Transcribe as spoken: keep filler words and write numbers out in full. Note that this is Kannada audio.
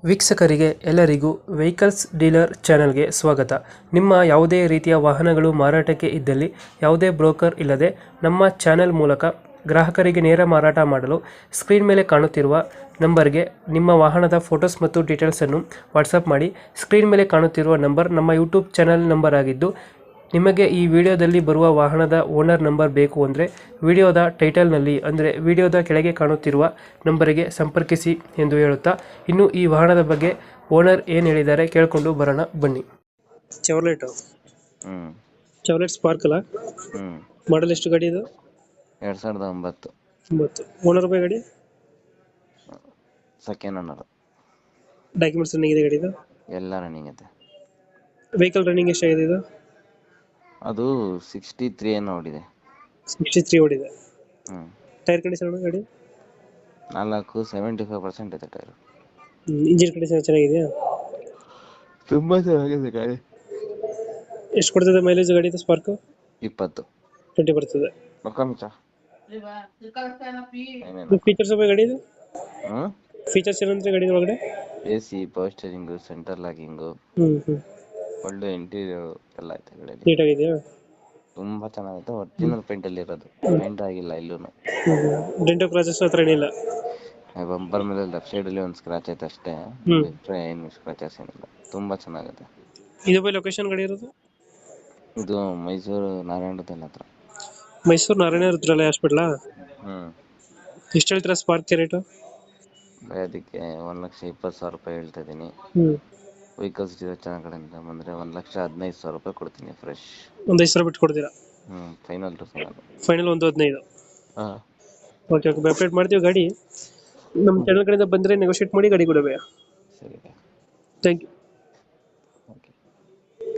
ವೀಕ್ಷಕರಿಗೆ ಎಲ್ಲರಿಗೂ ವೆಹಿಕಲ್ಸ್ ಡೀಲರ್ ಚಾನೆಲ್ಗೆ ಸ್ವಾಗತ. ನಿಮ್ಮ ಯಾವುದೇ ರೀತಿಯ ವಾಹನಗಳು ಮಾರಾಟಕ್ಕೆ ಇದ್ದಲ್ಲಿ ಯಾವುದೇ ಬ್ರೋಕರ್ ಇಲ್ಲದೆ ನಮ್ಮ ಚಾನೆಲ್ ಮೂಲಕ ಗ್ರಾಹಕರಿಗೆ ನೇರ ಮಾರಾಟ ಮಾಡಲು ಸ್ಕ್ರೀನ್ ಮೇಲೆ ಕಾಣುತ್ತಿರುವ ನಂಬರ್ಗೆ ನಿಮ್ಮ ವಾಹನದ ಫೋಟೋಸ್ ಮತ್ತು ಡೀಟೇಲ್ಸನ್ನು ವಾಟ್ಸಪ್ ಮಾಡಿ. ಸ್ಕ್ರೀನ್ ಮೇಲೆ ಕಾಣುತ್ತಿರುವ ನಂಬರ್ ನಮ್ಮ ಯೂಟ್ಯೂಬ್ ಚಾನೆಲ್ ನಂಬರ್ ಆಗಿದ್ದು, ನಿಮಗೆ ಈ ವಿಡಿಯೋದಲ್ಲಿ ಬರುವ ವಾಹನದ ಓನರ್ ನಂಬರ್ ಬೇಕು ಅಂದರೆ ವಿಡಿಯೋದ ಟೈಟಲ್ನಲ್ಲಿ ಅಂದರೆ ವಿಡಿಯೋದ ಕೆಳಗೆ ಕಾಣುತ್ತಿರುವ ನಂಬರಿಗೆ ಸಂಪರ್ಕಿಸಿ ಎಂದು ಹೇಳುತ್ತಾ, ಇನ್ನು ಈ ವಾಹನದ ಬಗ್ಗೆ ಓನರ್ ಏನು ಹೇಳಿದ್ದಾರೆ ಕೇಳಿಕೊಂಡು ಬರೋಣ ಬನ್ನಿ. ಚಾವ್ಲೆಟ್ ಹ್ಮ್ ಚಾವ್ಲೆಟ್ ಸ್ಪಾರ್ಕ್ ಅಲ್ಲ, ಹ್ಮ್ ಮಾಡಲ್ ಎಷ್ಟು ಗಾಡಿ ಇದು? ಎರಡ್ ಸಾವಿರದ ಒಂಬತ್ತು ಒಂಬತ್ತು. ಓನರ್ ಬೈ ಗಾಡಿ ಸೆಕೆಂಡ್ ಓನರ್. ಡಾಕ್ಯುಮೆಂಟ್ಸ್ ರನ್ನಿಂಗ್ ಇದೆ ಗಾಡಿದು? ಎಲ್ಲ ರನ್ನಿಂಗ್ ಐತೆ. ವೆಹಿಕಲ್ ರನ್ನಿಂಗ್ ಎಷ್ಟಾಗಿದೆ ಇದು? ಅದು ಸಿಕ್ಸ್ಟಿ ತ್ರೀ ಏನೋ ಓಡಿದೆ. ಸಿಕ್ಸ್ಟಿ ತ್ರೀ ಓಡಿದೆ. ಹ್ಮ್ ಟೈರ್ ಕಂಡೀಷನ್ ಗಾಡಿ? ನಾಲ್ಕು ಸೆವೆಂಟಿ ಫೈವ್ ಪರ್ಸೆಂಟ್ ಐತೆ ಟೈರ್. ಇಂಜಿನ್ ಕಂಡೀಷನ್ ಚೆನ್ನಾಗಿದೆಯಾ? ತುಂಬಾ ಚೆನ್ನಾಗಿದೆ ಗಾಡಿ. ಎಷ್ಟು ಕೊಡ್ತದೆ ಮೈಲೇಜ್ ಗಾಡಿ ಇದು ಸ್ಪಾರ್ಕ್? ಇಪ್ಪತ್ತು ಟ್ವೆಂಟಿ ಬರ್ತದೆ. ಮಕ್ಕಮಿಚ ಫೀಚರ್ಸ್ ಬಗ್ಗೆ ಗಾಡಿ ಇದು? ಹ್ಮ್ ಫೀಚರ್ಸ್ ಏನಂದ್ರೆ ಗಾಡಿ ಒಳಗಡೆ? A C, power steering, centre locking, ಹ್ಮ್ ಹ್ಮ್ ಒಳ್ಳೆ ಇಂಟೀರಿಯರ್ ಎಲ್ಲ ಐತೆ ಗಾಡಿ. ನೀಟಾಗಿದೆಯಾ? ತುಂಬಾ ಚೆನ್ನಾಗೈತೆ. ಒರಿಜಿನಲ್ ಪೇಂಟ್ ಅಲ್ಲಿ ಇರೋದು, ಪೇಂಟ್ ಆಗಿಲ್ಲ ಇಲ್ಲೂನು. ಡೆಂಟೋ ಕ್ರಾಚಸ್ ಹತ್ರ ಏನಿಲ್ಲ? ಬಂಪರ್ ಮೇಲೆ ಲೆಫ್ಟ್ ಸೈಡ್ ಅಲ್ಲಿ ಒಂದು ಸ್ಕ್ರಾಚ್ ಐತೆ ಅಷ್ಟೇ, ಹ್ಮ್. ಬಿಟ್ರೆ ಏನು ಸ್ಕ್ರಾಚಸ್ ಏನಿಲ್ಲ. ತುಂಬಾ ಚೆನ್ನಾಗೈತೆ. ಇದು ಬೈ ಲೊಕೇಶನ್ ಗಾಡಿ ಇರೋದು? ಇದು ಮೈಸೂರು ನಾರಾಯಣದಲ್ಲಿ ಹತ್ರ. ಮೈಸೂರು ನಾರಾಯಣ ರುದ್ರಾಲಯ ಹಾಸ್ಪಿಟ್ಲಾ? ಹ್ಮ್ ಎಷ್ಟು ಹೇಳ್ತೀರಾ ಸ್ಪಾರ್ಕ್ ರೇಟು? ಬೈ ಅದಕ್ಕೆ ಒಂದ್ ಲಕ್ಷ ಇಪ್ಪತ್ತು ಸಾವಿರ ರೂಪಾಯಿ ಹೇಳ್ತಾ ಇದೀನಿ. ಹ್ಮ್ ವೆಹಿಕಲ್ಸ್ ಚೆನ್ನಾಗಿ ಕಡೆಯಿಂದ ಬಂದ್ರೆ ಒಂದ್ ಲಕ್ಷ ಹದಿನೈದು ಸಾವಿರ ರೂಪಾಯಿ ಕೊಡ್ತೀನಿ ಫ್ರೆಶ್. ಒಂದು ಐದು ಸಾವಿರ ಬಿಟ್ಟು ಕೊಡ್ತೀರಾ? ಹ್ಮ್ ಫೈನಲ್ ಟು ಫೈನಲ್. ಫೈನಲ್ ಒಂದು ಹದಿನೈದು. ಹಾ ಓಕೆ ಓಕೆ, ಅಪ್ಡೇಟ್ ಮಾಡ್ತೀವಿ ಗಾಡಿ. ನಮ್ಮ ಚಾನಲ್ ಕಡೆಯಿಂದ ಬಂದರೆ ನೆಗೋಷಿಯೇಟ್ ಮಾಡಿ ಗಾಡಿ ಕೊಡಬೇಕು. ಸರಿ. Thank you.